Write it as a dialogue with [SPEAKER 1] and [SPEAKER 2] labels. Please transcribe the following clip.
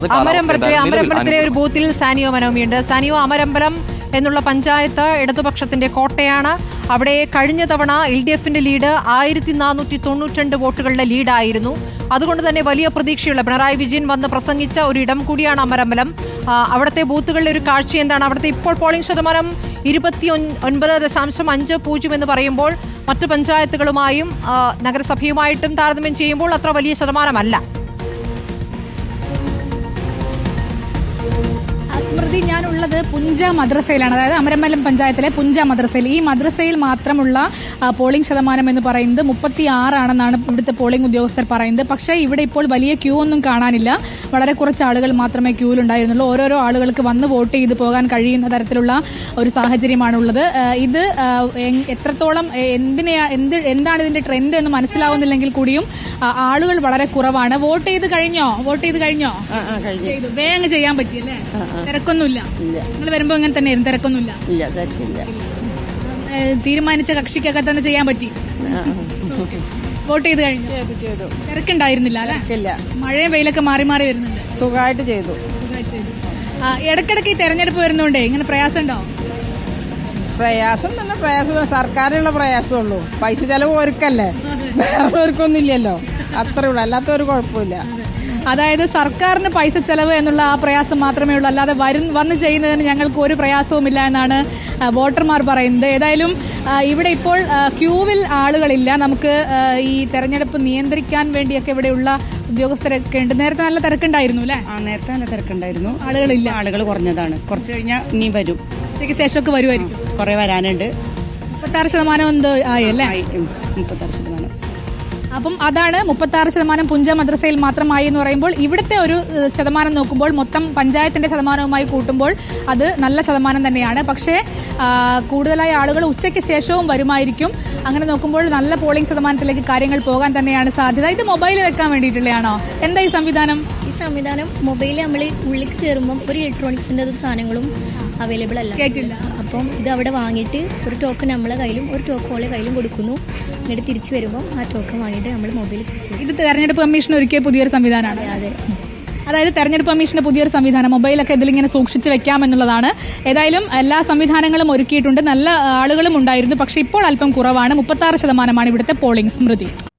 [SPEAKER 1] അമരമ്പലത്തിലെ ഒരു ബൂത്തിൽ സാനിയോ മനോമിയുണ്ട്. സാനിയോ, അമരമ്പലം എന്നുള്ള പഞ്ചായത്ത് ഇടതുപക്ഷത്തിന്റെ കോട്ടയാണ്. അവിടെ കഴിഞ്ഞ തവണ LDFന്റെ ലീഡ് 1492 വോട്ടുകളുടെ ലീഡായിരുന്നു. അതുകൊണ്ട് തന്നെ വലിയ പ്രതീക്ഷയുള്ള പിണറായി വിജയൻ വന്ന് പ്രസംഗിച്ച ഒരു ഇടം കൂടിയാണ് അമരമ്പലം. അവിടുത്തെ ബൂത്തുകളിലെ ഒരു കാഴ്ച എന്താണ്? അവിടുത്തെ ഇപ്പോൾ പോളിംഗ് ശതമാനം 29.50 എന്ന് പറയുമ്പോൾ മറ്റു പഞ്ചായത്തുകളുമായും നഗരസഭയുമായിട്ടും താരതമ്യം ചെയ്യുമ്പോൾ അത്ര വലിയ ശതമാനമല്ല.
[SPEAKER 2] സ്മൃതി, ഞാനുള്ളത് പുഞ്ച മദ്രസയിലാണ്, അതായത് അമരമ്പലം പഞ്ചായത്തിലെ പുഞ്ച മദ്രസയിൽ. ഈ മദ്രസയിൽ മാത്രമുള്ള പോളിംഗ് ശതമാനം എന്ന് പറയുന്നത് 36 ഇവിടുത്തെ പോളിംഗ് ഉദ്യോഗസ്ഥർ പറയുന്നത്. പക്ഷേ ഇവിടെ ഇപ്പോൾ വലിയ ക്യൂ ഒന്നും കാണാനില്ല. വളരെ കുറച്ച് ആളുകൾ മാത്രമേ ക്യൂവിലുണ്ടായിരുന്നുള്ളൂ. ഓരോരോ ആളുകൾക്ക് വന്ന് വോട്ട് ചെയ്ത് പോകാൻ കഴിയുന്ന തരത്തിലുള്ള ഒരു സാഹചര്യമാണുള്ളത്. ഇത് എത്രത്തോളം എന്താണ് ഇതിന്റെ ട്രെൻഡ് എന്ന് മനസ്സിലാവുന്നില്ലെങ്കിൽ കൂടിയും ആളുകൾ വളരെ കുറവാണ്. വോട്ട് ചെയ്ത് കഴിഞ്ഞോ? വേഗം ചെയ്യാൻ പറ്റിയല്ലേ? തിരക്കൊന്നുമില്ല. നിങ്ങൾ വരുമ്പോ ഇങ്ങനെ തന്നെയായിരുന്നു? തിരക്കൊന്നുമില്ല. തീരുമാനിച്ച കക്ഷിക്കൊക്കെ തന്നെ ചെയ്യാൻ പറ്റി? വോട്ട് ചെയ്ത് കഴിഞ്ഞു? തിരക്കുണ്ടായിരുന്നില്ല അല്ലെ? മഴയും വെയിലൊക്കെ മാറി മാറി വരുന്നുണ്ട്.
[SPEAKER 3] സുഖമായിട്ട് ചെയ്തു.
[SPEAKER 2] ഇടക്കിടക്ക് ഈ തെരഞ്ഞെടുപ്പ് വരുന്നോണ്ടേ ഇങ്ങനെ പ്രയാസം ഉണ്ടോ?
[SPEAKER 3] പ്രയാസം സർക്കാരിനുള്ള പ്രയാസമുള്ളൂ. പൈസ ചെലവ് ഒരുക്കല്ലേ, വേറെ ഒരുക്കൊന്നും ഇല്ലല്ലോ. അത്രേ ഉള്ളൂ, അല്ലാത്ത ഒരു കുഴപ്പമില്ല.
[SPEAKER 2] അതായത് സർക്കാരിന് പൈസ ചെലവ് എന്നുള്ള ആ പ്രയാസം മാത്രമേ ഉള്ളൂ, അല്ലാതെ വന്ന് ചെയ്യുന്നതിന് ഞങ്ങൾക്ക് ഒരു പ്രയാസവുമില്ല എന്നാണ് വോട്ടർമാർ പറയുന്നത്. ഏതായാലും ഇവിടെ ഇപ്പോൾ ക്യൂവിൽ ആളുകളില്ല. നമുക്ക് ഈ തെരഞ്ഞെടുപ്പ് നിയന്ത്രിക്കാൻ വേണ്ടിയൊക്കെ ഇവിടെയുള്ള ഉദ്യോഗസ്ഥരൊക്കെ ഉണ്ട്. നേരത്തെ നല്ല തിരക്കുണ്ടായിരുന്നു അല്ലേ?
[SPEAKER 3] നേരത്തെ നല്ല തിരക്കുണ്ടായിരുന്നു.
[SPEAKER 2] ആളുകളില്ല,
[SPEAKER 3] ആളുകൾ കുറഞ്ഞതാണ്. കുറച്ച് കഴിഞ്ഞാൽ ഇനി വരും,
[SPEAKER 2] ഉച്ചയ്ക്ക് ശേഷമൊക്കെ വരുമായിരിക്കും.
[SPEAKER 3] കുറെ വരാനുണ്ട്.
[SPEAKER 2] 36% എന്തോ ആയല്ലേ?
[SPEAKER 3] 36%.
[SPEAKER 2] അപ്പം അതാണ് 36% പുഞ്ച മദ്രസയിൽ മാത്രമായി എന്ന് പറയുമ്പോൾ ഇവിടുത്തെ ഒരു ശതമാനം നോക്കുമ്പോൾ മൊത്തം പഞ്ചായത്തിന്റെ ശതമാനവുമായി കൂട്ടുമ്പോൾ അത് നല്ല ശതമാനം തന്നെയാണ്. പക്ഷേ കൂടുതലായ ആളുകൾ ഉച്ചയ്ക്ക് ശേഷവും വരുമായിരിക്കും. അങ്ങനെ നോക്കുമ്പോൾ നല്ല പോളിംഗ് ശതമാനത്തിലേക്ക് കാര്യങ്ങൾ പോകാൻ തന്നെയാണ് സാധ്യത. ഇത് മൊബൈൽ വെക്കാൻ വേണ്ടിയിട്ടുള്ളതാണോ? എന്താ ഈ സംവിധാനം?
[SPEAKER 4] ഈ സംവിധാനം മൊബൈലിൽ നമ്മൾ ഉള്ളിലേക്ക് കയറുമ്പോൾ ഒരു ഇലക്ട്രോണിക്സിന്റെ സാധനങ്ങളും അവൈലബിൾ അല്ല,
[SPEAKER 2] കേട്ടില്ല.
[SPEAKER 4] അപ്പം ഇത് അവിടെ വാങ്ങിയിട്ട് ഒരു ടോക്കൺ നമ്മളെ കയ്യിലും ഒരു ടോക്കൺ ഓളെ കയ്യിലും കൊടുക്കുന്നു. എന്നിട്ട് തിരിച്ചു വരുമ്പോൾ ആ ടോക്കൺ വാങ്ങിയിട്ട് നമ്മൾ മൊബൈലിൽ തിരിച്ചു.
[SPEAKER 2] ഇത് തെരഞ്ഞെടുപ്പ് കമ്മീഷൻ ഒരുക്കിയ പുതിയൊരു സംവിധാനമാണ്.
[SPEAKER 4] അതെ,
[SPEAKER 2] അതായത് തെരഞ്ഞെടുപ്പ് കമ്മീഷന്റെ പുതിയൊരു സംവിധാനം, മൊബൈലൊക്കെ ഇതിലിങ്ങനെ സൂക്ഷിച്ച് വെക്കാമെന്നുള്ളതാണ്. ഏതായാലും എല്ലാ സംവിധാനങ്ങളും ഒരുക്കിയിട്ടുണ്ട്. നല്ല ആളുകളും ഉണ്ടായിരുന്നു. പക്ഷേ ഇപ്പോൾ അല്പം കുറവാണ്. 36% ഇവിടുത്തെ പോളിംഗ്. സ്മൃതി.